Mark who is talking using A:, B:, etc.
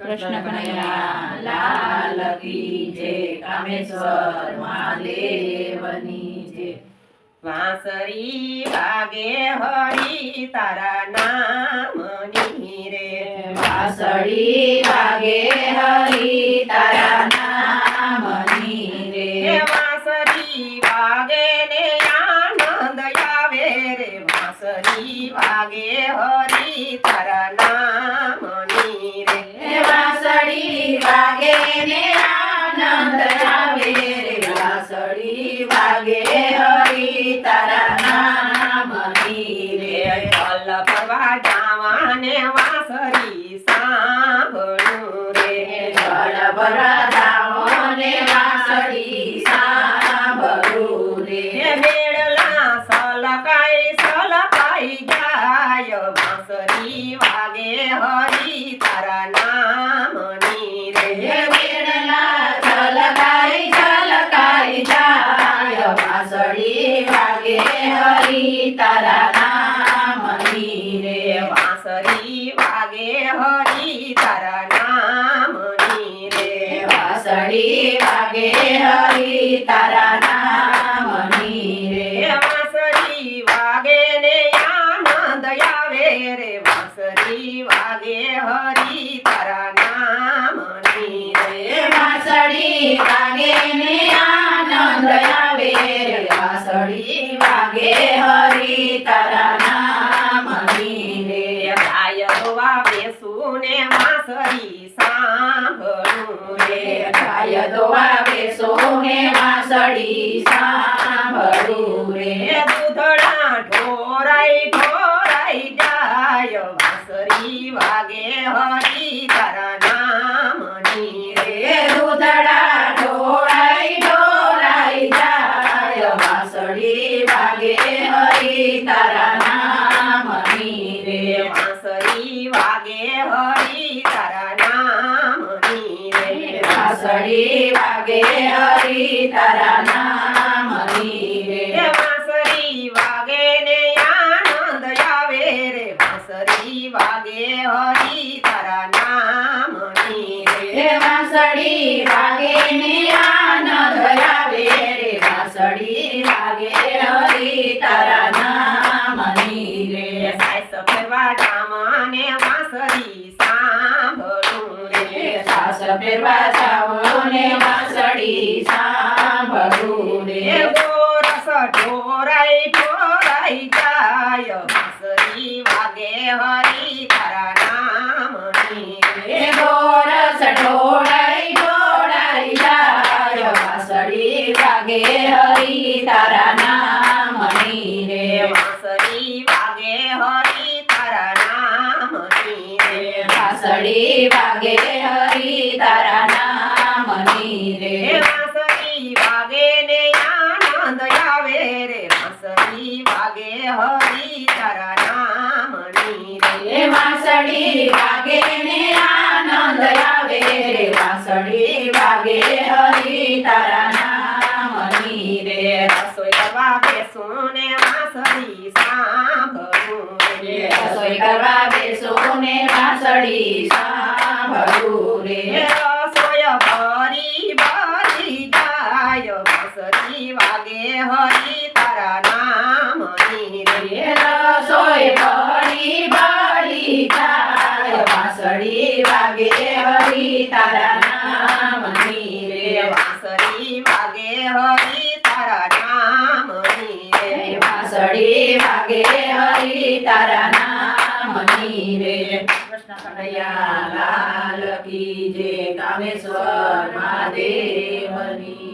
A: कृष्ण कन्हैया लाल की जय। कामेश्वर महादेवनी जय।
B: वांसरी वागे हरी तारा नामनी रे।
A: वांसरी वागे हरी तारा नामनी रे।
B: वांसरी वागे ने आनंद आवे रे। वांसरी वागे हरी तारा नामनी रे।
A: वांसरी वागे ने आनंद आवे रे। वांसरी वागे हरी तारा नामनी रे।
B: फल फरवा जावाने वांसरी सांभळू रे।
A: फल फरवा जावाने वांसरी सांभळू रे।
B: बेडला सलकाई गाय। वांसरी वागे हरी तारा नामनी रे।
A: बेडला सलकाई गाय। वांसरी वागे हरी तारा नामनी रे।
B: वांसरी वागे हरी तारा नामनी रे।
A: वांसरी वागे हरी तारा नामनी रे।
B: वांसरी वागे ने आनंद आवे रे। वांसरी वागे हरी तारा नामनी रे।
A: वांसरी वागे ने आनंद आवे रे। वांसरी वागे हरी तारा नामनी रे।
B: गाय दोवावे सुने वांसरी सांभळू रे।
A: गाय दोवावे सोने वांसरी सांभळू रे।
B: दुधळा ढोराई गाय। वांसरी वागे हरी तारा नामनी रे।
A: दुधडा ढोराई गाय। वांसरी वागे हरी तारा नामनी रे।
B: वांसरी वागे हरी तारा नामनी रे।
A: वांसरी वागे हरी तारा नामनी रे।
B: वांसरी वागे ने आनंद आवे रे। वांसरी वागे हरी तारा नामनी रे।
A: वांसरी वागे ने आनंद आवे रे। वांसरी वागे हरी तारा नामनी रे।
B: सास फेरवा जामाने वांसरी सांभळू रे।
A: सास फेरवा जावने वांसरी सांभळू रे।
B: गोरस ढोराई गाय। वांसरी वागे हरी तारा नामनी रे।
A: गोरस ढोराई गाय। वांसरी वागे हरी तारा नामनी रे।
B: वांसरी वागे हरी तारा नामनी रे।
A: वांसरी वागे हरी तारा नामनी रे।
B: वांसरी वागे ने आनंद आवे रे। वांसरी वागे हरी तारा नामनी रे।
A: वांसरी वागे ने आनंद आवे रे। वांसरी वागे हरी तारा नामनी रे।
B: रसोई करवा बेसुने वांसरी सांभळू रे।
A: रसोई करवा बेसुने वांसरी सांभळू रे।
B: रसोई भरी गाय। वांसरी वागे हरी तारा नामनी रे।
A: रसोई बड़ी गाय। वांसरी वागे हरी तारा नामनी रे।
B: वांसरी वागे हरी तारा नामनी रे।
A: वांसरी वागे हरी तारा नामनी रे। कृष्ण कन्हैया लाल की जय। कामेश्वर महादेवनी